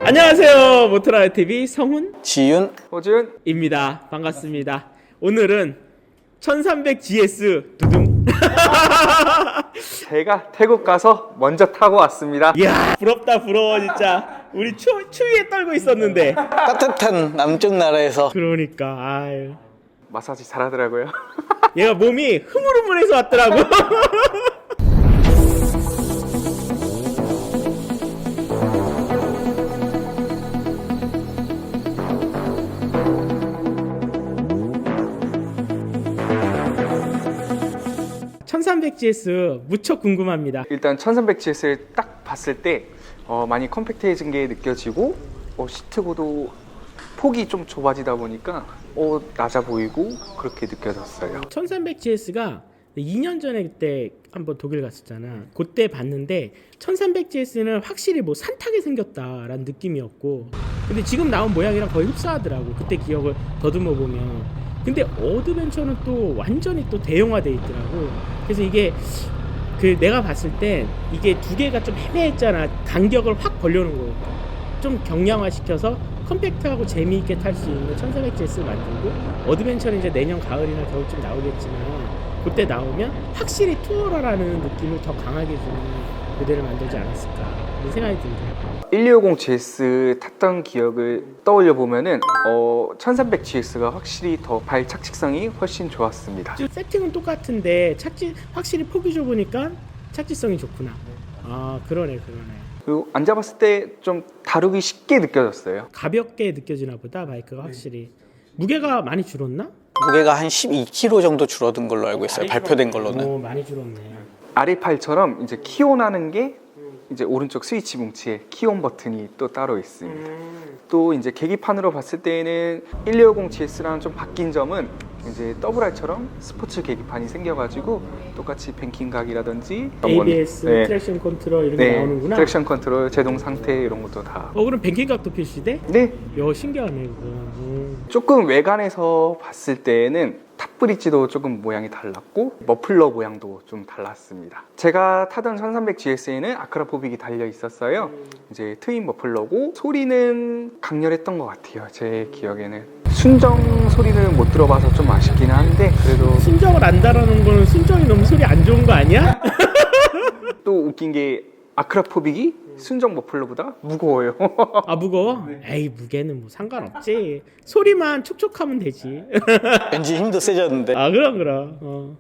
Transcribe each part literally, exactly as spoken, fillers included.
안녕하세요. 모토라 티비 성훈, 지윤, 호준입니다. 반갑습니다. 오늘은 천삼백 지에스 두둥. 제가 태국 가서 먼저 타고 왔습니다. 이야, 부럽다 부러워 진짜. 우리 추, 추위에 떨고 있었는데. 따뜻한 남쪽 나라에서 그러니까 아유. 마사지 잘하더라고요. 얘가 몸이 흐물흐물해서 왔더라고. 천삼백 지에스 무척 궁금합니다. 일단 천삼백 지에스를 딱 봤을 때 어, 많이 컴팩트해진 게 느껴지고 어, 시트고도 폭이 좀 좁아지다 보니까 어, 낮아 보이고 그렇게 느껴졌어요. 천삼백 지에스가 이 년 전에 그때 한번 독일 갔었잖아. 그때 봤는데 천삼백 지에스는 확실히 뭐 산타게 생겼다라는 느낌이었고, 근데 지금 나온 모양이랑 거의 흡사하더라고. 그때 기억을 더듬어 보면. 근데 어드벤처는 또 완전히 또 대형화돼 있더라고. 그래서 이게 그 내가 봤을 때 이게 두 개가 좀 애매했잖아. 간격을 확 벌려놓은 거. 좀 경량화 시켜서 컴팩트하고 재미있게 탈 수 있는 천삼백 지에스를 만들고, 어드벤처는 이제 내년 가을이나 겨울쯤 나오겠지만 그때 나오면 확실히 투어러라는 느낌을 더 강하게 주는 모델을 만들지 않았을까 그런 생각이 듭니다. 일이오공 지에스 탔던 기억을 떠올려 보면은 어, 천삼백 지에스가 확실히 더 발 착지성이 훨씬 좋았습니다. 세팅은 똑같은데 착지 확실히 폭이 좁으니까 착지성이 좋구나. 아 그러네 그러네. 그리고 앉아봤을 때 좀 다루기 쉽게 느껴졌어요. 가볍게 느껴지나 보다 바이크가 확실히. 무게가 많이 줄었나? 무게가 한 십이 킬로그램 정도 줄어든 걸로 알고 있어요. 발표된 걸로는. 오, 많이 줄었네. 알이팔처럼 이제 키온하는 게 이제 오른쪽 스위치 뭉치에 키온 버튼이 또 따로 있습니다. 음. 또 이제 계기판으로 봤을 때는 일이오공 지에스랑 좀 바뀐 점은 이제 더블알처럼 스포츠 계기판이 생겨가지고 똑같이 뱅킹 각이라든지 에이비에스, 네. 트랙션 컨트롤 이런 게 네, 나오는구나. 트랙션 컨트롤, 제동 상태 이런 것도 다. 어 그럼 뱅킹각도 표시돼? 네, 야 신기하네 그거. 음. 조금 외관에서 봤을 때는 탑브릿지도 조금 모양이 달랐고 머플러 모양도 좀 달랐습니다. 제가 타던 천삼백 지에스에는 아크라포빅이 달려 있었어요. 이제 트윈 머플러고 소리는 강렬했던 것 같아요. 제 기억에는 순정 소리는 못 들어봐서 좀 아쉽긴 한데 그래도 순정을 안 달아놓은 거는 순정이 너무 소리 안 좋은 거 아니야? 또 웃긴 게 아크라포빅이 순정 머플러보다 무거워요. 아 무거워? 에이 무게는 뭐 상관없지. 소리만 촉촉하면 되지. 왠지 힘도 세졌는데. 아 그럼 그럼. 어.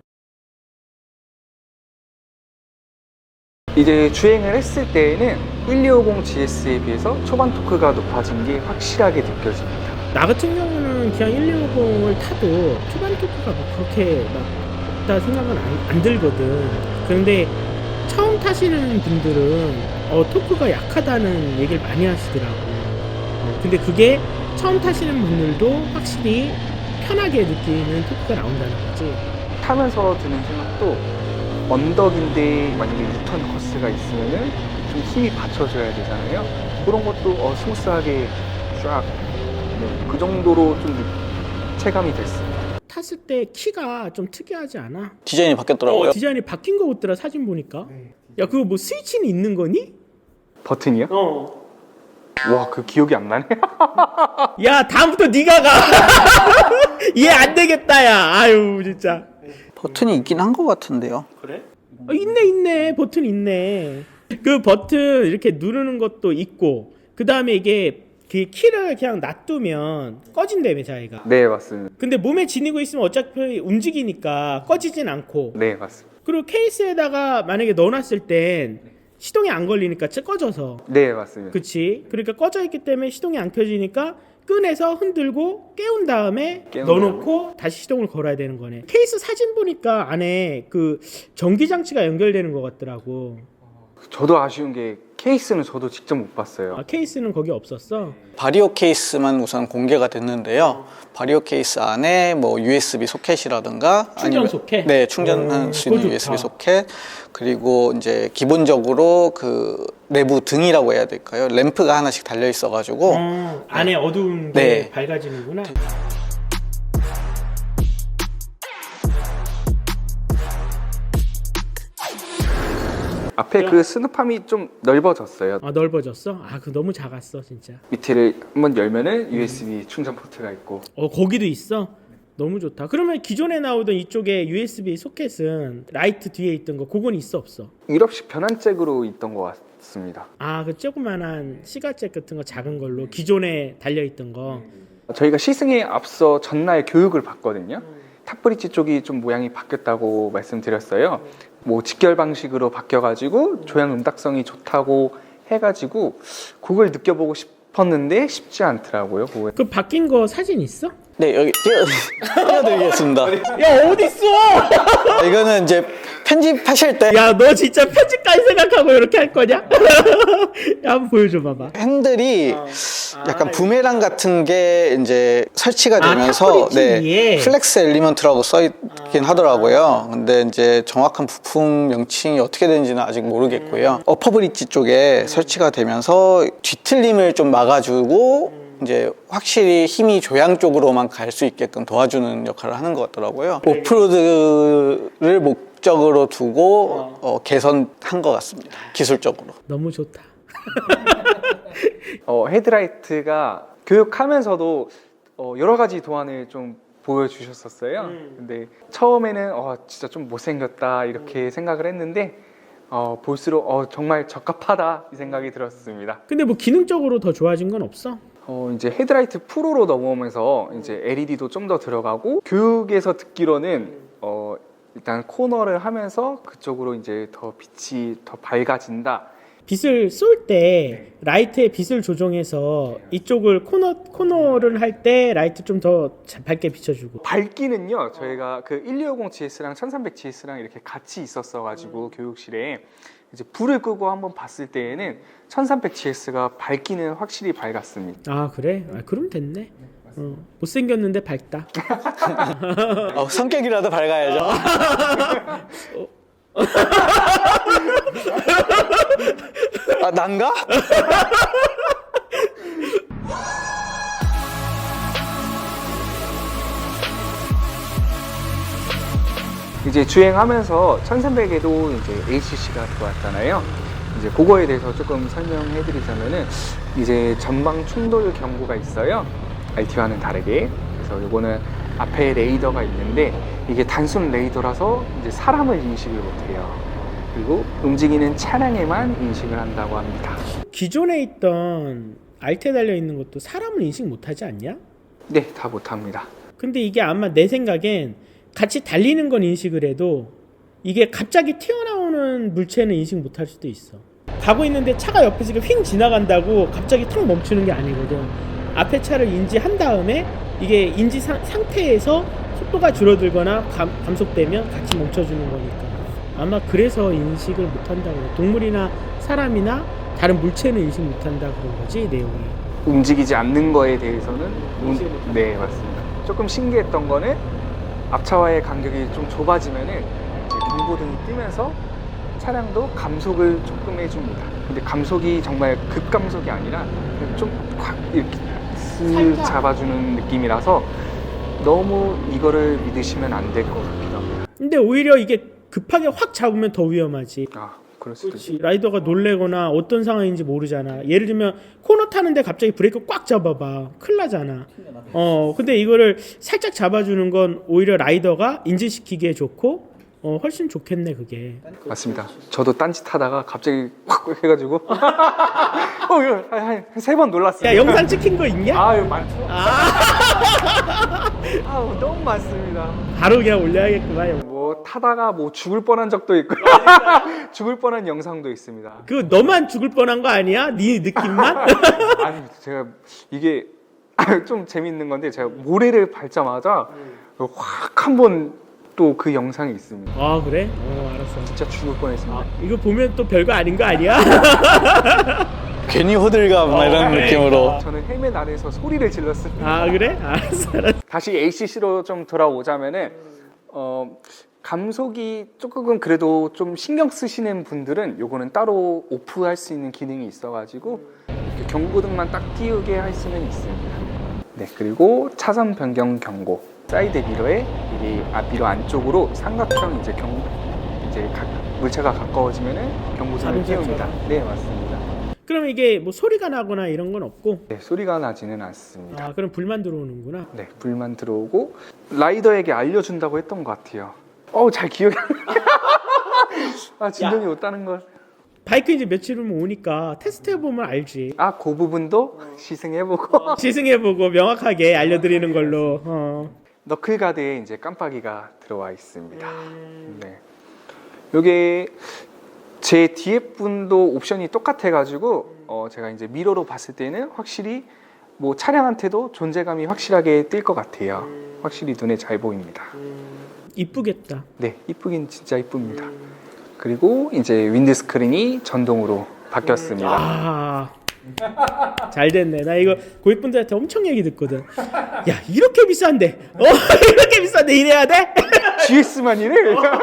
이제 주행을 했을 때에는 일이오공 지에스에 비해서 초반 토크가 높아진 게 확실하게 느껴집니다. 나 같은 경우는 그냥 일이오공을 타도 초반 토크가 뭐 그렇게 막 없다 생각은 안, 안 들거든. 그런데 처음 타시는 분들은 어, 토크가 약하다는 얘기를 많이 하시더라고. 어, 근데 그게 처음 타시는 분들도 확실히 편하게 느끼는 토크가 나온다는 거지. 타면서 드는 생각도 언덕인데 만약에 유턴 코스가 있으면은 좀 힘이 받쳐줘야 되잖아요. 그런 것도 어, 스무스하게 쫙 네, 그 정도로 좀 체감이 됐습니다. 탔을 때 키가 좀 특이하지 않아? 디자인이 바뀌었더라고요. 어, 디자인이 바뀐 거 같더라 사진 보니까. 야 그거 뭐 스위치는 있는 거니? 버튼이요? 어. 와, 그 기억이 안 나네. 야 다음부터 네가 가. 얘 안 되겠다 야. 아유 진짜. 버튼이 있긴 한 것 같은데요. 그래? 어, 있네 있네 버튼 있네. 그 버튼 이렇게 누르는 것도 있고 그 다음에 이게 그 키를 그냥 놔두면 꺼진다며 자기가. 네, 맞습니다. 근데 몸에 지니고 있으면 어차피 움직이니까 꺼지진 않고. 네, 맞습니다. 그리고 케이스에다가 만약에 넣어놨을 땐 시동이 안 걸리니까 꺼져서. 네, 맞습니다. 그치? 그러니까 꺼져 있기 때문에 시동이 안 켜지니까 꺼내서 흔들고 깨운 다음에 깨운 넣어놓고 다음에. 다시 시동을 걸어야 되는 거네. 케이스 사진 보니까 안에 그 전기 장치가 연결되는 것 같더라고. 저도 아쉬운 게 케이스는 저도 직접 못 봤어요. 아, 케이스는 거기 없었어? 바리오 케이스만 우선 공개가 됐는데요. 바리오 케이스 안에 뭐 유에스비 소켓이라든가 충전 아니면- 소켓? 네, 충전할 오, 수 있는 그거 유에스비 좋다. 소켓. 그리고 이제 기본적으로 그 내부 등이라고 해야 될까요? 램프가 하나씩 달려 있어 가지고 어, 안에 어두운 게 네. 밝아지는구나. 앞에 그 스누팜이 좀 넓어졌어요. 아 넓어졌어? 아 그 너무 작았어 진짜. 밑에를 한번 열면은 유에스비 충전 포트가 있고. 어 거기도 있어? 너무 좋다. 그러면 기존에 나오던 이쪽에 유에스비 소켓은 라이트 뒤에 있던 거 그건 있어 없어? 유럽식 변환잭으로 있던 것 같습니다. 아 그 조그만한 시가잭 같은 거 작은 걸로 기존에 달려있던 거. 저희가 시승에 앞서 전날 교육을 받거든요. 탑브릿지 쪽이 좀 모양이 바뀌었다고 말씀드렸어요. 뭐 직결 방식으로 바뀌어가지고 조향 음닥성이 좋다고 해가지고 그걸 느껴보고 싶었는데 쉽지 않더라고요. 그거. 그 바뀐 거 사진 있어? 네, 여기 띄워, 띄워드리겠습니다. 야 어딨어? 이거는 이제 편집하실 때 야 너 진짜 편집까지 생각하고 이렇게 할 거냐? 야 한번 보여줘 봐봐. 핸들이 어. 약간 아, 부메랑 같은 게 이제 설치가 아, 되면서 탑브릿지 네, 위에? 플렉스 엘리먼트라고 써 있긴 하더라고요. 근데 이제 정확한 부품 명칭이 어떻게 되는지는 아직 모르겠고요. 어퍼 브릿지 쪽에 설치가 되면서 뒤틀림을 좀 막아주고 이제 확실히 힘이 조향 쪽으로만 갈 수 있게끔 도와주는 역할을 하는 것 같더라고요. 오프로드를 목적으로 두고 어, 개선한 것 같습니다. 기술적으로. 너무 좋다. 어, 헤드라이트가 교육하면서도 어, 여러 가지 도안을 좀 보여주셨었어요. 음. 근데 처음에는 어, 진짜 좀 못생겼다 이렇게 생각을 했는데 어, 볼수록 어, 정말 적합하다 이 생각이 들었습니다. 근데 뭐 기능적으로 더 좋아진 건 없어? 어, 이제 헤드라이트 프로로 넘어오면서 이제 엘이디도 좀 더 들어가고 교육에서 듣기로는 어, 일단 코너를 하면서 그쪽으로 이제 더 빛이 더 밝아진다. 빛을 쏠 때 라이트의 빛을 조정해서 이쪽을 코너 코너를 할 때 라이트 좀 더 밝게 비춰주고. 밝기는요 저희가 그 일이오공 지에스랑 천삼백 지에스랑 이렇게 같이 있었어 가지고 교육실에 이제 불을 끄고 한번 봤을 때에는 천삼백 지에스가 밝기는 확실히 밝았습니다. 아 그래? 아, 그럼 됐네. 어, 못생겼는데 밝다. 어, 성격이라도 밝아야죠. 아, 난가? 이제 주행하면서 천삼백에도 이제 에이씨씨가 들어왔잖아요. 이제 그거에 대해서 조금 설명해 드리자면은 이제 전방 충돌 경고가 있어요. 알티와는 다르게. 그래서 이거는 앞에 레이더가 있는데 이게 단순 레이더라서 이제 사람을 인식을 못해요. 그리고 움직이는 차량에만 인식을 한다고 합니다. 기존에 있던 알트에 달려 있는 것도 사람을 인식 못하지 않냐? 네, 다 못합니다. 근데 이게 아마 내 생각엔 같이 달리는 건 인식을 해도 이게 갑자기 튀어나오는 물체는 인식 못할 수도 있어. 가고 있는데 차가 옆에서 휙 지나간다고 갑자기 턱 멈추는 게 아니거든. 앞에 차를 인지한 다음에 이게 인지 사, 상태에서 속도가 줄어들거나 감, 감속되면 같이 멈춰주는 거니까 아마 그래서 인식을 못한다고 그래. 동물이나 사람이나 다른 물체는 인식 못한다 그런 거지 내용이. 움직이지 않는 거에 대해서는 음, 네, 맞습니다. 조금 신기했던 거는 앞차와의 간격이 좀 좁아지면은 이제 경고등이 뜨면서 차량도 감속을 조금 해줍니다. 근데 감속이 정말 급감속이 아니라 좀 확 이렇게 쓱 잡아주는 느낌이라서 너무 이거를 믿으시면 안 될 것 같기도 합니다. 근데 오히려 이게 급하게 확 잡으면 더 위험하지. 아, 그럴 수도 있어요. 라이더가 놀래거나 어떤 상황인지 모르잖아. 예를 들면 코너 타는데 갑자기 브레이크 꽉 잡아봐. 큰일 나잖아. 어, 근데 이거를 살짝 잡아주는 건 오히려 라이더가 인지시키기에 좋고 어, 훨씬 좋겠네 그게. 맞습니다. 저도 딴짓 하다가 갑자기 확 해가지고 어, 한세 번 놀랐어요. 야 영상 찍힌 거 있냐? 아유 많죠. 아, 아우 너무 많습니다. 바로 그냥 올려야겠구만. 영. 뭐 타다가 뭐 죽을 뻔한 적도 있고 죽을 뻔한 영상도 있습니다. 그거 너만 죽을 뻔한 거 아니야? 네 느낌만? 아니 제가 이게 좀 재밌는 건데 제가 모래를 밟자마자 확 한번 또 그 영상이 있습니다. 아 그래? 어 알았어. 진짜 죽을 뻔했습니다. 아, 이거 보면 또 별거 아닌 거 아니야? 괜히 호들갑 막 이런 그러니까. 느낌으로. 저는 헬멧 안에서 소리를 질렀습니다. 아 그래? 알았어 알았어. 다시 에이씨씨로 좀 돌아오자면은 어, 감속이 조금 그래도 좀 신경 쓰시는 분들은 요거는 따로 오프할 수 있는 기능이 있어가지고 이렇게 경고등만 딱 띄우게 할 수는 있습니다. 네, 그리고 차선 변경 경고. 사이드 미러에 이 앞 미러 안쪽으로 삼각형 이제 경 이제 가, 물차가 가까워지면은 경고선을 자동차처럼. 띄웁니다. 네, 맞습니다. 그럼 이게 뭐 소리가 나거나 이런 건 없고, 네, 소리가 나지는 않습니다. 아 그럼 불만 들어오는구나. 네, 불만 들어오고 라이더에게 알려준다고 했던 것 같아요. 어우, 잘 기억이 안 나. 아, 진동이 없다는 걸. 바이크 이제 며칠 후면 오니까 테스트 해보면 알지. 아, 그 부분도 시승해보고. 시승해보고 명확하게 알려드리는 걸로. 어. 너클가드에 이제 깜빡이가 들어와 있습니다. 네. 요게 제 뒤에 분도 옵션이 똑같아가지고 어 제가 이제 미러로 봤을 때는 확실히 뭐 차량한테도 존재감이 확실하게 띌 것 같아요. 확실히 눈에 잘 보입니다. 이쁘겠다. 네, 이쁘긴 진짜 이쁩니다. 그리고 이제 윈드 스크린이 전동으로 바뀌었습니다. 아, 잘 됐네. 나 이거 고객분들한테 엄청 얘기 듣거든. 야, 이렇게 비싼데, 어, 이렇게 비싼데 이래야 돼? 지에스만 이래?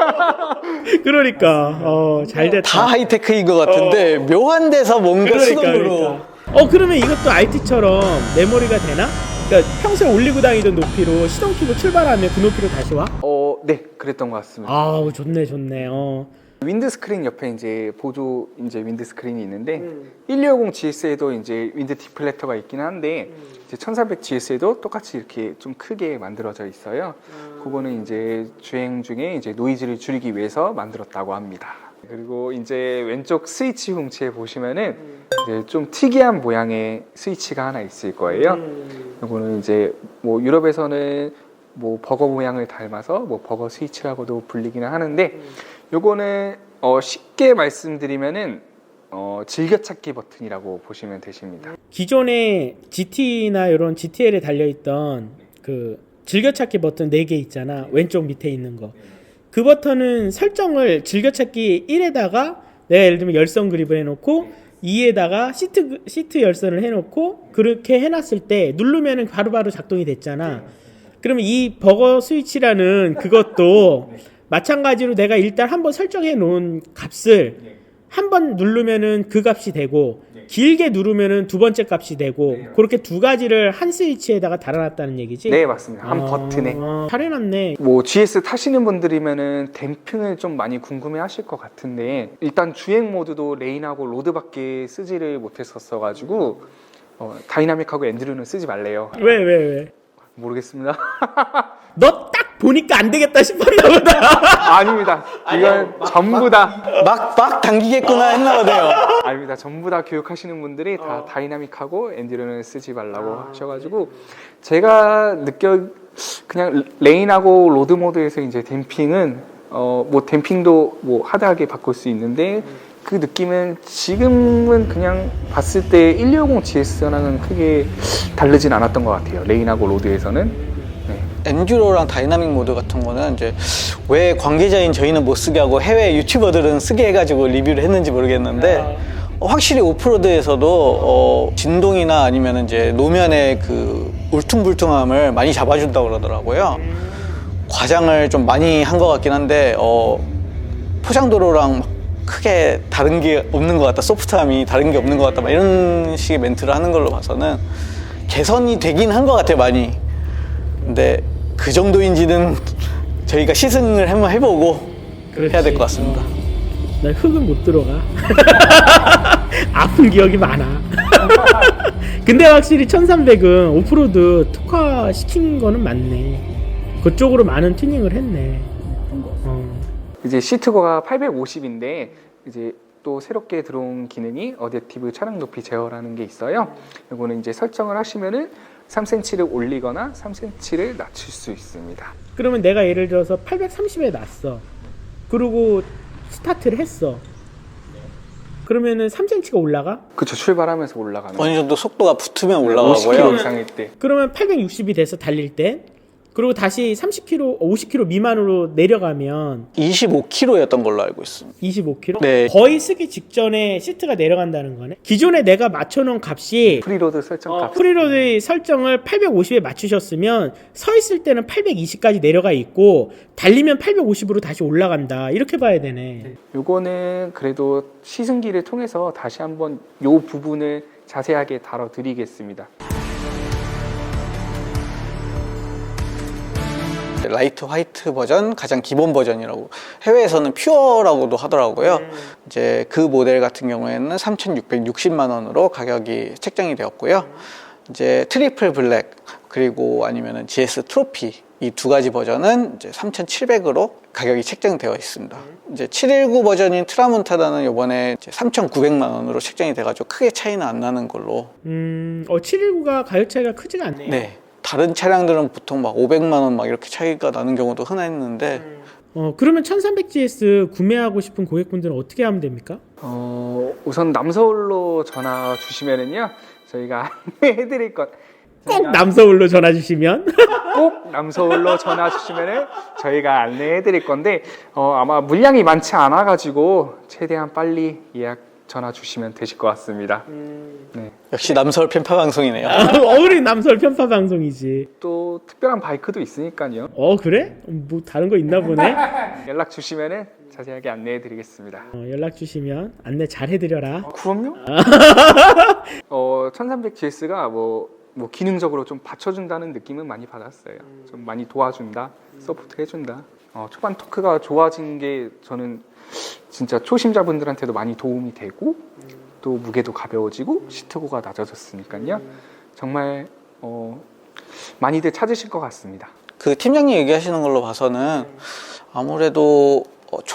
그러니까, 어, 잘 됐다. 다 하이테크인 것 같은데 묘한 데서 뭔가 그러니까, 수동으로 그러니까. 어, 그러면 이것도 알티처럼 메모리가 되나? 그러니까 평소에 올리고 다니던 높이로 시동 키고 출발하면 그 높이로 다시 와? 어, 네, 그랬던 것 같습니다. 아우, 좋네, 좋네. 어. 윈드 스크린 옆에 이제 보조 이제 윈드 스크린이 있는데 음. 일이오공 지에스에도 이제 윈드 디플렉터가 있긴 한데 음. 이제 천삼백 지에스에도 똑같이 이렇게 좀 크게 만들어져 있어요. 음. 그거는 이제 주행 중에 이제 노이즈를 줄이기 위해서 만들었다고 합니다. 그리고 이제 왼쪽 스위치 훔치에 보시면은 음. 이제 좀 특이한 모양의 스위치가 하나 있을 거예요. 음. 이거는 이제 뭐 유럽에서는 뭐 버거 모양을 닮아서 뭐 버거 스위치라고도 불리기는 하는데 음. 요거는 어 쉽게 말씀드리면은 어 즐겨찾기 버튼이라고 보시면 되십니다. 기존에 지티나 이런 지티엘에 달려있던 그 즐겨찾기 버튼 네 개 있잖아. 왼쪽 밑에 있는 거. 그 버튼은 설정을 즐겨찾기 일에다가 내가 예를 들면 열선 그립을 해놓고 이에다가 시트, 시트 열선을 해놓고 그렇게 해놨을 때 누르면은 바로바로 작동이 됐잖아. 그러면 이 버거 스위치라는 그것도 마찬가지로 내가 일단 한번 설정해 놓은 값을 한 번 누르면은 그 값이 되고 길게 누르면은 두 번째 값이 되고 그렇게 두 가지를 한 스위치에다가 달아놨다는 얘기지? 네, 맞습니다. 한 아, 버튼에. 잘 해놨네. 뭐 지에스 타시는 분들이면은 댐핑을 좀 많이 궁금해하실 것 같은데 일단 주행 모드도 레인하고 로드밖에 쓰지를 못했었어가지고 어, 다이나믹하고 엔드류는 쓰지 말래요. 왜, 왜, 왜? 모르겠습니다. 너 딱 보니까 안 되겠다 싶었나 보다. 아닙니다. 이건 전부 다 막 막 당기겠구나 했나 보네요. 아닙니다. 전부 다 교육하시는 분들이 다 다이나믹하고 엔드류는 쓰지 말라고 하셔가지고 제가 느껴 그냥 레인하고 로드 모드에서 이제 댐핑은 어 뭐 댐핑도 뭐 하드하게 바꿀 수 있는데 그 느낌은 지금은 그냥 봤을 때 일이오공 지에스랑은 크게 다르진 않았던 것 같아요. 레인하고 로드에서는. 엔듀로랑 다이나믹 모드 같은 거는 이제 왜 관계자인 저희는 못 쓰게 하고 해외 유튜버들은 쓰게 해가지고 리뷰를 했는지 모르겠는데 어, 확실히 오프로드에서도 어, 진동이나 아니면 이제 노면의 그 울퉁불퉁함을 많이 잡아준다고 그러더라고요. 과장을 좀 많이 한 것 같긴 한데 어, 포장도로랑 막 크게 다른 게 없는 것 같다, 소프트함이 다른 게 없는 것 같다, 막 이런 식의 멘트를 하는 걸로 봐서는 개선이 되긴 한 것 같아요, 많이. 근데 그 정도인지는 저희가 시승을 한번 해보고 그렇지. 해야 될 것 같습니다. 나 흙은 못 들어가. 아픈 기억이 많아. 근데 확실히 천삼백은 오프로드 특화 시킨 거는 맞네. 그쪽으로 많은 튜닝을 했네. 어. 이제 시트고가 팔백오십인데 이제 또 새롭게 들어온 기능이 어댑티브 차량 높이 제어라는 게 있어요. 이거는 이제 설정을 하시면은 삼 센티미터를 올리거나 삼 센티미터를 낮출 수 있습니다. 그러면 내가 예를 들어서 팔백삼십에 놨어. 그리고 스타트를 했어. 그러면은 삼 센티미터가 올라가? 그쵸, 출발하면서 올라가는. 어느 정도 속도가 붙으면 오십 올라가고요. 킬로미터 이상일 때. 그러면 팔백육십이 돼서 달릴 때 그리고 다시 삼십 킬로미터, 오십 킬로미터 미만으로 내려가면 이십오 킬로미터였던 걸로 알고 있습니다. 이십오 킬로미터? 네. 거의 쓰기 직전에 시트가 내려간다는 거네. 기존에 내가 맞춰놓은 값이 프리로드 설정 어, 값. 프리로드의 설정을 팔백오십에 맞추셨으면 서 있을 때는 팔백이십까지 내려가 있고 달리면 팔백오십으로 다시 올라간다. 이렇게 봐야 되네. 요거는 그래도 시승기를 통해서 다시 한번 요 부분을 자세하게 다뤄드리겠습니다. 라이트 화이트 버전, 가장 기본 버전이라고, 해외에서는 퓨어라고도 하더라고요. 음. 이제 그 모델 같은 경우에는 삼천육백육십만 원으로 가격이 책정이 되었고요. 이제 트리플 블랙 그리고 아니면은 지에스 트로피 이 두 가지 버전은 이제 삼천칠백으로 가격이 책정되어 있습니다. 이제 칠백십구 버전인 트라몬타나는 이번에 이제 삼천구백만 원으로 책정이 돼가지고 크게 차이는 안 나는 걸로. 음, 어, 칠백십구가 가격 차이가 크지가 않네요. 네. 다른 차량들은 보통 막 오백만 원 막 이렇게 차이가 나는 경우도 흔했는데 어, 그러면 천삼백 지에스 구매하고 싶은 고객분들은 어떻게 하면 됩니까? 어, 우선 남서울로 전화 주시면은요 저희가 안내해드릴 것. 꼭 남서울로 전화 주시면 꼭 남서울로 전화 주시면은 저희가 안내해드릴 건데 어, 아마 물량이 많지 않아 가지고 최대한 빨리 예약 전화 주시면 되실 것 같습니다. 네. 역시 남서울 편파 방송이네요. 어울린 남서울 편파 방송이지. 또 특별한 바이크도 있으니까요. 어, 그래? 뭐 다른 거 있나 보네. 연락 주시면은 자세하게 안내해드리겠습니다. 어, 연락 주시면 안내 잘 해드려라. 어, 그럼요. 어, 천삼백 지에스가 뭐, 뭐 기능적으로 좀 받쳐준다는 느낌은 많이 받았어요. 좀 많이 도와준다, 서포트 해준다. 어, 초반 토크가 좋아진 게 저는 진짜 초심자분들한테도 많이 도움이 되고 또 무게도 가벼워지고 시트고가 낮아졌으니까요. 정말 어, 많이들 찾으실 것 같습니다. 그 팀장님 얘기하시는 걸로 봐서는 아무래도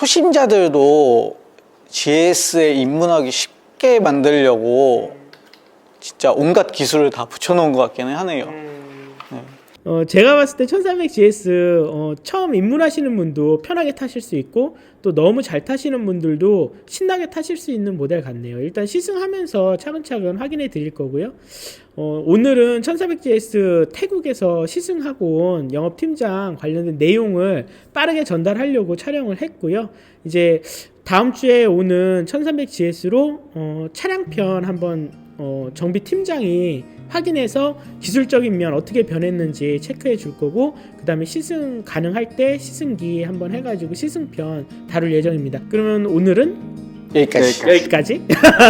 초심자들도 지에스에 입문하기 쉽게 만들려고 진짜 온갖 기술을 다 붙여놓은 것 같기는 하네요. 네. 어, 제가 봤을 때 천삼백 지에스 어, 처음 입문하시는 분도 편하게 타실 수 있고 또 너무 잘 타시는 분들도 신나게 타실 수 있는 모델 같네요. 일단 시승하면서 차근차근 확인해 드릴 거고요. 어, 오늘은 천사백 지에스 태국에서 시승하고 온 영업팀장 관련된 내용을 빠르게 전달하려고 촬영을 했고요. 이제 다음 주에 오는 천삼백 지에스로 어, 차량편 한번 어, 정비팀장이 확인해서 기술적인 면 어떻게 변했는지 체크해 줄 거고, 그 다음에 시승 가능할 때 시승기 한번 해가지고 시승편 다룰 예정입니다. 그러면 오늘은 여기까지. 여기까지.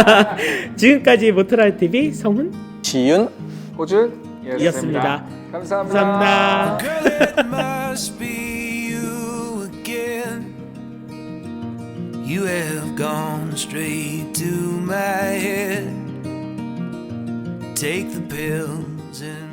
지금까지 모터라이티비 성훈 지윤 호준이었습니다. 이었습니다. 감사합니다. 감사합니다. Girl, it must be you again. You have gone straight to my head. Take the pills and